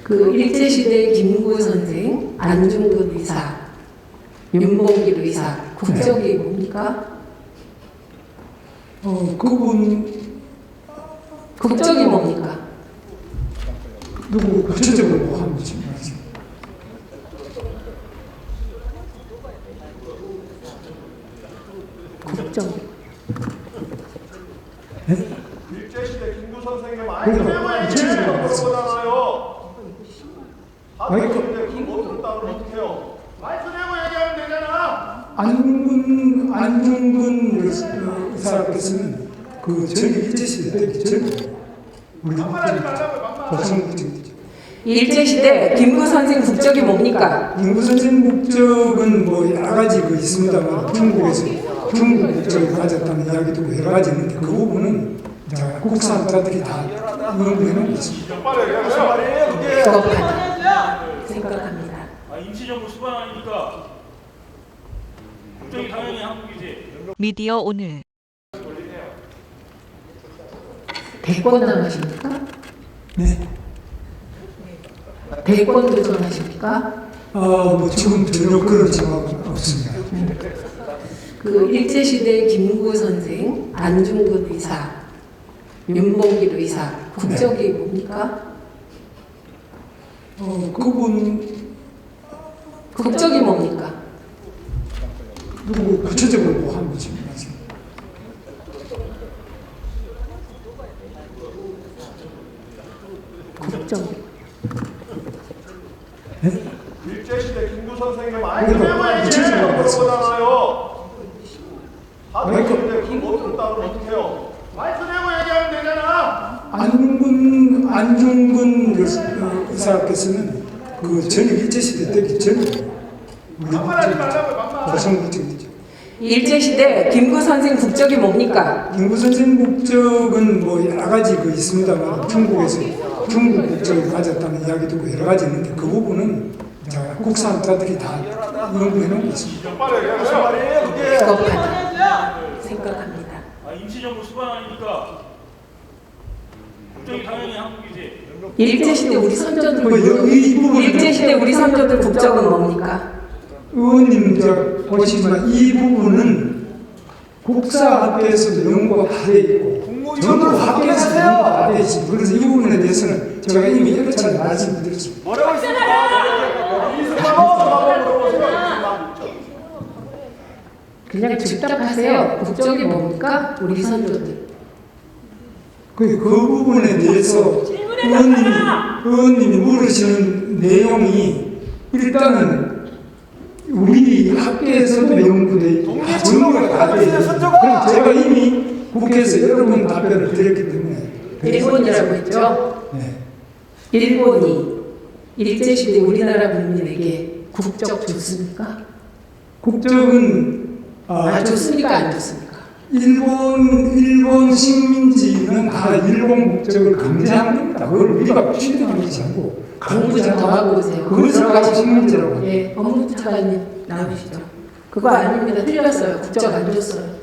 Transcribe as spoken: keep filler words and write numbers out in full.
그 일제시대 김구 선생, 안중근 의사, 윤봉길 의사, 국적이 뭡니까? 어, 그분 국적이 뭡니까? 누구 구체적으로 뭐 하는지 말씀. 국적이. 네? 일제시대 김구 선생님 많이 그러니까 때문에 구체적으로 그러잖아요. 아니, 그- 근데 그거 못 듣다 그러면 어떡해요? 말씀 내고 얘기하면 되잖아. 안중근 안중근 의- 의사께서는 그 전에 일제시대 때 전에 우리 말하지 말라고요, 막말. 조선국적이죠. 일제시대 김구 선생 국적이 뭡니까? 김구 선생 국적은 뭐 여러 가지 그 있습니다만 중국에서 중국 국적을 가졌다는 이야기도 여러 가지 있는데 그 부분은 자, 국사학자들이 다 연구해 놓은 것입니다. 빨리 얘기하세요. 말이에요, 그게. 부겁하다 생각합니다. 아, 임시정부 수반 아닙니까? 국적이 당연히 한국이지. 미디어 오늘 대권 나가십니까? 네. 대권 도전하십니까? 아, 뭐 지금 전혀 그런 생각은 없습니다. 그 일제시대 김구 선생, 안중근 의사, 윤봉길 의사, 국적이 뭡니까? 어, 그분 국적이 뭡니까? 누구 구체적으로 뭐 하는지 말씀. 국적이. 네? 일제시대 김구 선생님 많이 그러니까 때문에 구체적으로 말씀. 그러잖아요. 아니, 그- 근데 그거 못 듣다 그러면 어떡해요? 말씀 내고 얘기하면 되잖아. 안중근 안중근 의- 의사께서는 그 전에 일제시대 때 전에 우리 막말하지 말라고요, 막말. 조선국적이죠. 일제시대 김구 선생 국적이 뭡니까? 김구 선생 국적은 뭐 여러 가지 그 있습니다만 중국에서 중국 국적을 가졌다는 이야기도 여러 가지 있는데 그 부분은 자, 국사학자들이 다 연구해 놓은 것입니다. 빨리 얘기하세요. 말이에요, 그게. 부겁하다 생각합니다. 아, 임시정부 수반 아닙니까? 국적이 당연히 한국이지. 일제시대 우리 선조들 뭐 이 부분은 일제시대 우리 선조들 국적은 뭡니까? 의원님 저 보시지만 이 부분은 국사학계에서도 연구가 다 돼 있고 전부 학계에서도 연구가 다 돼 있습니다. 그래서 이 부분에 대해서는 제가 이미 여러 차례 말씀드렸습니다. 뭐라고 있습니까? 이승만하고 물어보세요. 그냥 즉답하세요. 국적이 뭡니까? 우리 선조들. 그, 그 부분에 대해서 의원님이, 의원님이 물으시는 내용이 일단은 우리 학계에서도 연구돼 있고 다 정리가 다 돼 있고 그럼 제가 이미 국회에서 여러 번 답변을 드렸기 때문에 일본이라고 했죠. 네. 일본이 일제시대 우리나라 국민에게 국적 줬습니까? 국적은 아, 아, 좋습니까? 안 좋습니까? 일본 일본 식민지는 다 일본 국적을 강제한 겁니다. 그걸 우리가 취득한 것이 아니고 공부 좀 더 하고 오세요. 그것을 가지고 식민지라고 합니다. 예, 법무부 차관님 나오시죠. 그거 아닙니다. 틀렸어요. 국적 안 줬어요.